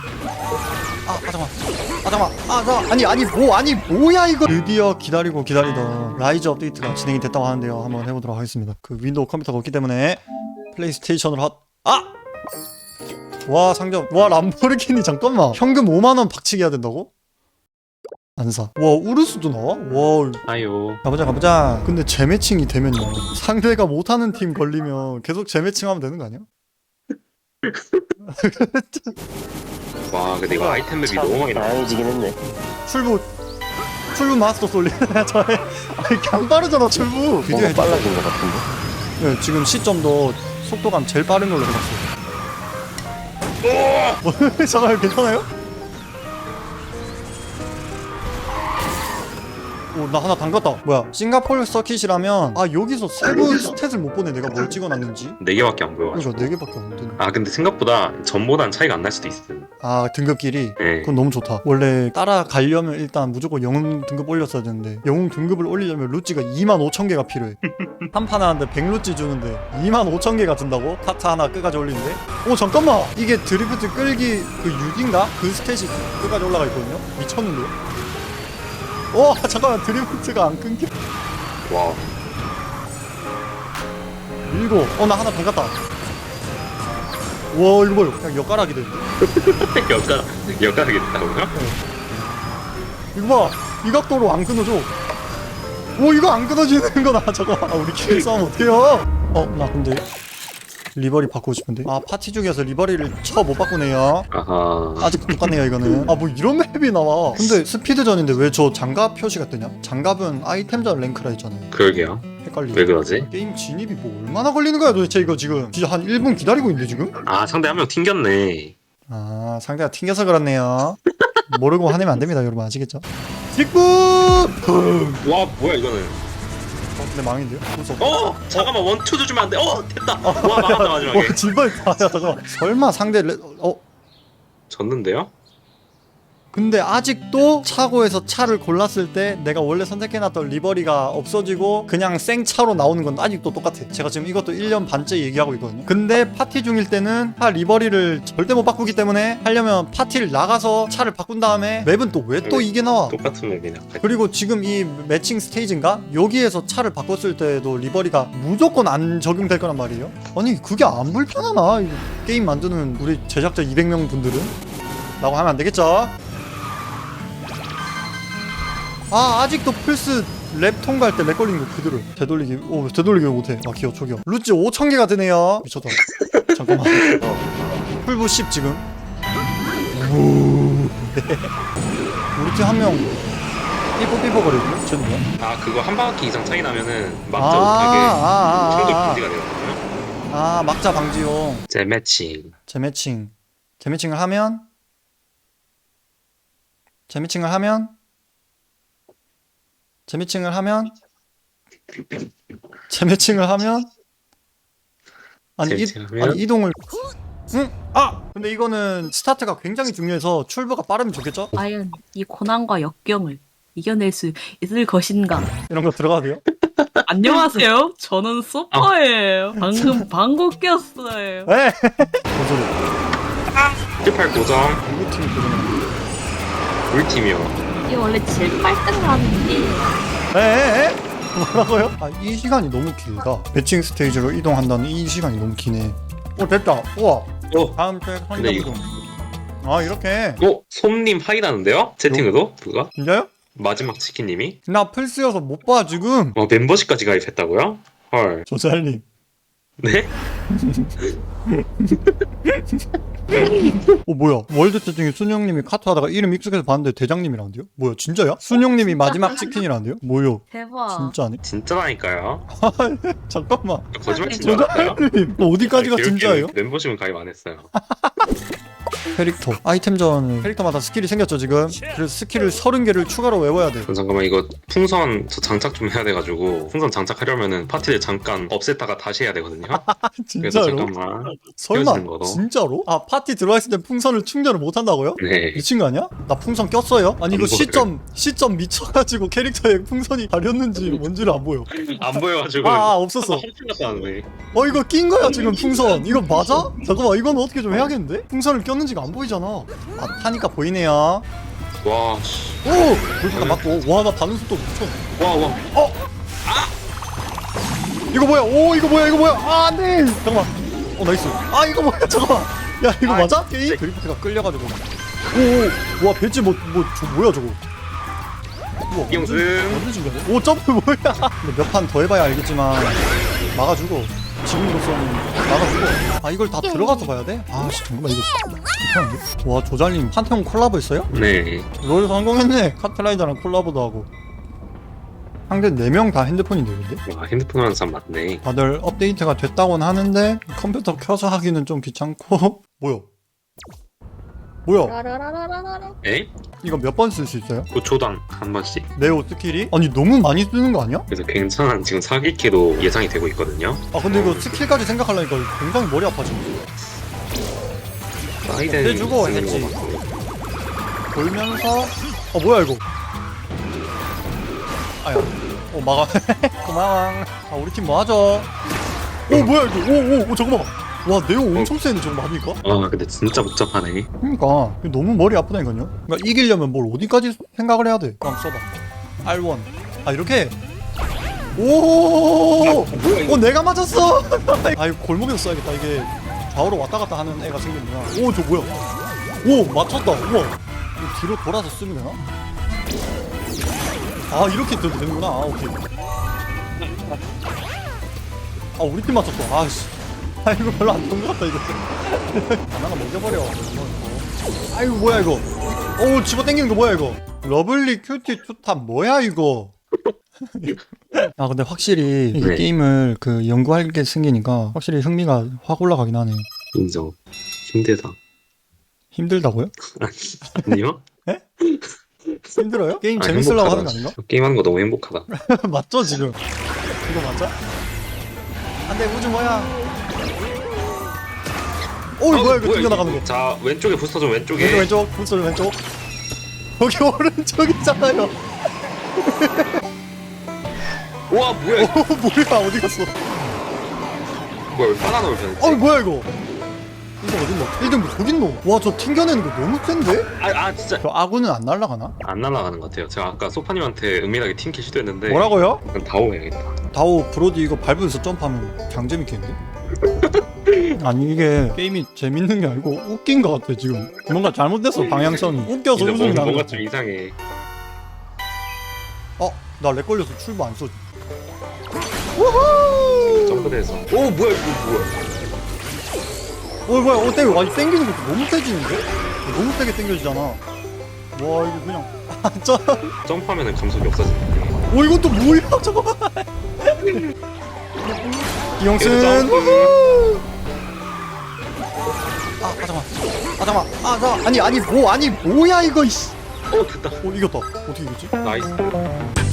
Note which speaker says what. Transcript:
Speaker 1: 잠깐만. 아니 뭐야 이거. 드디어 기다리고 기다리던 라이즈 업데이트가 진행이 됐다고 하는데요. 한번 해보도록 하겠습니다. 그 윈도우 컴퓨터가 없기 때문에 플레이스테이션으로 와 상점. 와 람보르기니. 잠깐만. 현금 5만원 박치기 해야 된다고? 안 사. 와 우르스도 나와? 와
Speaker 2: 아요.
Speaker 1: 가보자. 근데 재매칭이 되면요, 상대가 못하는 팀 걸리면 계속 재매칭하면 되는 거 아니야?
Speaker 2: 와 근데 이거 아이템 맵이 너무 많이 나와.
Speaker 3: 다양해지긴 했네.
Speaker 1: 출부 마스터 솔리. 저의 아니 그냥 빠르잖아 출부. 비디오
Speaker 3: 뭔가
Speaker 1: 해줘.
Speaker 3: 빨라진 것 같은데.
Speaker 1: 네, 지금 시점도 속도감 제일 빠른 걸로 해봤어요. 잠깐만 괜찮아요? 오 나 하나 담갔다. 뭐야 싱가포르 서킷이라면 여기서 세부 스탯을 못 보네. 내가 뭘 찍어놨는지.
Speaker 2: 4개밖에 안 보여.
Speaker 1: 그러니까 4개밖에 안 되네.
Speaker 2: 근데 생각보다 전보단 차이가 안 날 수도 있음.
Speaker 1: 등급끼리?
Speaker 2: 네.
Speaker 1: 그건 너무 좋다. 원래 따라가려면 일단 무조건 영웅 등급 올렸어야 되는데, 영웅 등급을 올리려면 루찌가 25,000개가 필요해. 한 판 하는데 100루찌 주는데 25,000개가 든다고? 카트 하나 끝까지 올리는데? 잠깐만! 이게 드리프트 끌기 그 6인가? 그 스탯이 끝까지 올라가 있거든요? 미쳤는데요? 잠깐만 드리프트가 안 끊겨.
Speaker 2: 와.
Speaker 1: 밀고 나 하나 더 갔다. 와 이거 봐요. 그냥 엿가락이 되는데.
Speaker 2: 엿가락이 됐다고요?
Speaker 1: 이거 봐. 이 각도로 안 끊어져. 이거 안 끊어지는 거나. 잠깐만. 우리끼리 싸우면 어떡해요? 나 근데 리버리 바꾸고 싶은데. 파티 중에서 리버리를 못 바꾸네요.
Speaker 2: 아하.
Speaker 1: 아직 똑같네요 이거는. 뭐 이런 맵이 나와. 근데 스피드전인데 왜 저 장갑 표시가 뜨냐? 장갑은 아이템전 랭크라 했잖아요.
Speaker 2: 그러게요.
Speaker 1: 헷갈리네.
Speaker 2: 왜 그러지?
Speaker 1: 게임 진입이 뭐 얼마나 걸리는 거야 도대체 이거 지금. 진짜 한 1분 기다리고 있는데 지금?
Speaker 2: 상대 한 명 튕겼네.
Speaker 1: 상대가 튕겨서 그렇네요. 모르고 화내면 안 됩니다 여러분. 아시겠죠? 직구!
Speaker 2: 와 뭐야 이거는.
Speaker 1: 근데 망인데요?
Speaker 2: 잠깐만 원투도 주면 안 돼. 됐다. 와 막았다 마지막에.
Speaker 1: 진발이다. 잠깐만. 설마 상대
Speaker 2: 졌는데요?
Speaker 1: 근데 아직도 차고에서 차를 골랐을 때 내가 원래 선택해놨던 리버리가 없어지고 그냥 생차로 나오는 건 아직도 똑같아. 제가 지금 이것도 1년 반째 얘기하고 있거든요. 근데 파티 중일 때는 차 리버리를 절대 못 바꾸기 때문에 하려면 파티를 나가서 차를 바꾼 다음에 맵은 또 왜 또 이게 나와?
Speaker 2: 똑같은 맵이네.
Speaker 1: 그리고 지금 이 매칭 스테이지인가? 여기에서 차를 바꿨을 때도 리버리가 무조건 안 적용될 거란 말이에요. 아니 그게 안 불편하나? 이 게임 만드는 우리 제작자 200명 분들은? 라고 하면 안 되겠죠? 아직도 플스 랩 통과할 때 렉 걸린 거 그대로. 되돌리기 왜 못해. 기어 초기어. 루찌 5,000개가 되네요. 미쳤다. 잠깐만. 풀부 10 지금. 우리 팀 한 명 삐뽀삐뽀거리거든요? 쟤는 뭐야?
Speaker 2: 그거 한 바퀴 이상 차이 나면은 막자 못하게 충돌 금지가 되거든요.
Speaker 1: 막자 방지용.
Speaker 2: 재매칭.
Speaker 1: 재매칭을 하면 이동을. 근데 이거는 스타트가 굉장히 중요해서 출부가 빠르면 좋겠죠?
Speaker 4: 과연 이 고난과 역경을 이겨낼 수 있을 것인가?
Speaker 1: 이런 거 들어가도 돼요?
Speaker 4: 안녕하세요. 저는 소퍼예요. 방금 꼈어요.
Speaker 1: 에! 뭔 소리?
Speaker 2: 18 고정.
Speaker 1: 누구 팀이 그러는
Speaker 2: 우리 팀이요.
Speaker 4: 이게 원래 제일 빨등하는 게
Speaker 1: 에? 뭐라고요? 이 시간이 너무 길다. 매칭 스테이지로 이동한다는 이 시간이 너무 기네. 됐다. 우와. 다음 트랙
Speaker 2: 근데
Speaker 1: 선정 이동. 이렇게.
Speaker 2: 솜님 하이라는데요? 채팅으로? 누가?
Speaker 1: 진짜요?
Speaker 2: 마지막 치킨님이?
Speaker 1: 나 플스여서 못 봐 지금.
Speaker 2: 멤버십까지 가입했다고요? 헐.
Speaker 1: 조잘님.
Speaker 2: 네?
Speaker 1: 뭐야? 월드 채팅에 순영님이 카트 하다가 이름 익숙해서 봤는데 대장님이라는데요? 뭐야 진짜야? 순영님이 마지막 치킨이라는데요? 뭐요?
Speaker 4: 대박.
Speaker 1: 진짜네?
Speaker 2: 진짜라니까요.
Speaker 1: 잠깐만.
Speaker 2: 거짓말 치지 말아요.
Speaker 1: 조잘님 어디까지가 진짜예요?
Speaker 2: 멤버십은 가입 안 했어요.
Speaker 1: 캐릭터 아이템전 캐릭터마다 스킬이 생겼죠 지금. 그래서 스킬을 30개를 추가로 외워야 돼.
Speaker 2: 그럼 잠깐만 이거 풍선 저 장착 좀 해야 돼가지고 풍선 장착하려면은 파티를 잠깐 없앴다가 다시 해야 되거든요. 그래서
Speaker 1: 진짜로?
Speaker 2: 잠깐만.
Speaker 1: 설마
Speaker 2: 헤어지는 거로.
Speaker 1: 진짜로? 파티 들어와 있을 때 풍선을 충전을 못 한다고요?
Speaker 2: 네.
Speaker 1: 미친 거 아니야? 나 풍선 꼈어요? 아니 이거
Speaker 2: 안
Speaker 1: 시점 미쳐가지고 캐릭터에 풍선이 가렸는지 뭔지를 안 보여.
Speaker 2: 안 보여가지고.
Speaker 1: 없었어.
Speaker 2: 한층 갔다 왔네.
Speaker 1: 이거 낀 거야 지금 풍선. 이거 맞아? 잠깐만 이건 어떻게 좀 해야겠는데? 풍선을 꼈는지가 안 보이잖아. 아 타니까 보이네요.
Speaker 2: 와, 씨.
Speaker 1: 오! 불파가 맞고. 와 나 반응 속도 미쳤.
Speaker 2: 와, 와.
Speaker 1: 이거 뭐야? 오 이거 뭐야? 이거 뭐야? 아 안돼. 잠깐만. 나이스. 아 이거 뭐야? 잠깐만. 야 이거 맞아? 게임? 드리프트가 끌려가지고. 오와 배지 저 뭐야 저거? 우와,
Speaker 2: 이영승.
Speaker 1: 완전 신기하네. 오 점프 뭐야? 몇 판 더 해봐야 알겠지만 막아주고 지금으로서는 막아주고. 아 이걸 다 들어가서 봐야 돼? 아 잠깐만 이거 이상한데? 와 조잘님 판테온 콜라보 했어요?
Speaker 2: 네.
Speaker 1: 롤 성공했네. 카트라이더랑 콜라보도 하고. 상대 4명 다 핸드폰인데 근데?
Speaker 2: 와, 핸드폰 하는 사람 많네.
Speaker 1: 다들 업데이트가 됐다고는 하는데 컴퓨터 켜서 하기는 좀 귀찮고. 뭐야?
Speaker 2: 에?
Speaker 1: 이거 몇 번 쓸 수 있어요?
Speaker 2: 그 조당 한 번씩.
Speaker 1: 네오 스킬이? 아니 너무 많이 쓰는 거 아니야?
Speaker 2: 그래서 굉장한 지금 사기캐도 예상이 되고 있거든요.
Speaker 1: 아 근데 이거 스킬까지 생각하려니까 굉장히 머리 아파지네.
Speaker 2: 사이덴
Speaker 1: 해주고
Speaker 2: 쓰는
Speaker 1: 했지.
Speaker 2: 거 같고.
Speaker 1: 돌면서 뭐야 이거? 아야. 막아. 고마워. 아 우리 팀 뭐하죠? 뭐야 이거? 오 잠깐만. 와 네오 엄청 세네 저거 뭡니까?
Speaker 2: 아, 근데 진짜 복잡하네.
Speaker 1: 그러니까 이거 너무 머리 아프다니까요. 그러니까 이기려면 뭘 어디까지 생각을 해야 돼? 그럼 써봐. R1. 아 이렇게. 오.
Speaker 2: 뭐야 이거?
Speaker 1: 내가 맞았어. 아 이거 골목에서 써야겠다. 이게 좌우로 왔다 갔다 하는 애가 생겼구나. 저 뭐야? 맞췄다. 우와. 이거 뒤로 돌아서 쓰면 되나? 아 이렇게 들도 되는구나. 오케이. 우리 팀 맞췄어. 아씨. 이거 별로 안 좋은 것 같다 이거. 하나가 먹여버려. 아이고 뭐야 이거. 집어 당기는 거 뭐야 이거. 러블리 큐티 투탑 뭐야 이거. 근데 확실히 이
Speaker 2: 네.
Speaker 1: 게임을 연구할 게 생기니까 확실히 흥미가 확 올라가긴 하네.
Speaker 2: 인정. 힘들다.
Speaker 1: 힘들다고요?
Speaker 2: 아니요?
Speaker 1: 힘들어요? 게임
Speaker 2: 아,
Speaker 1: 재밌으려고
Speaker 2: 행복하다.
Speaker 1: 하는 거 아닌가?
Speaker 2: 게임하는 거 너무 행복하다.
Speaker 1: 맞죠 지금? 이거 맞아? 안돼 우주 뭐야? 뭐야 이거 튕겨나가는 거.
Speaker 2: 자, 왼쪽에 부스터 좀 왼쪽에.
Speaker 1: 왼쪽 불소 왼쪽. 여기 오른쪽이잖아요.
Speaker 2: 우와, 뭐야 이거.
Speaker 1: 뭐야 어디 갔어?
Speaker 2: 뭐야, 왜 바나나를 변했지?
Speaker 1: 뭐야 이거? 이거 어딨노? 1등 저기 있노? 와 저 튕겨내는 거 너무 센데?
Speaker 2: 진짜.
Speaker 1: 저 아군은 안 날아가나?
Speaker 2: 안 날아가는 것 같아요. 제가 아까 소파님한테 은밀하게 팀킬 시도했는데.
Speaker 1: 뭐라고요?
Speaker 2: 그냥 다오 해야겠다.
Speaker 1: 다오 브로디 이거 밟으면서 점프하면 장재밌겠는데? 아니 이게 게임이 재밌는 게 아니고 웃긴 것 같아 지금. 뭔가 잘못됐어 방향성이. 웃겨서
Speaker 2: 근데
Speaker 1: 웃음이 나는
Speaker 2: 뭔가
Speaker 1: 거.
Speaker 2: 좀 이상해.
Speaker 1: 나 렉 걸려서 출구 안 써.
Speaker 2: 점프대에서. 오, 뭐야 이거 뭐야.
Speaker 1: 뭐야 땡겨. 아니 땡기는 것도 너무 세지는데? 너무 세게 땡겨지잖아. 와 이거 그냥
Speaker 2: 점프하면은 감속이 없어지는데.
Speaker 1: 이건 또 뭐야 잠깐만. 이영승.
Speaker 2: 점프.
Speaker 1: 잠깐만. 아니 뭐야 이거 이씨.
Speaker 2: 됐다.
Speaker 1: 이겼다. 어떻게 이겼지?
Speaker 2: 나이스.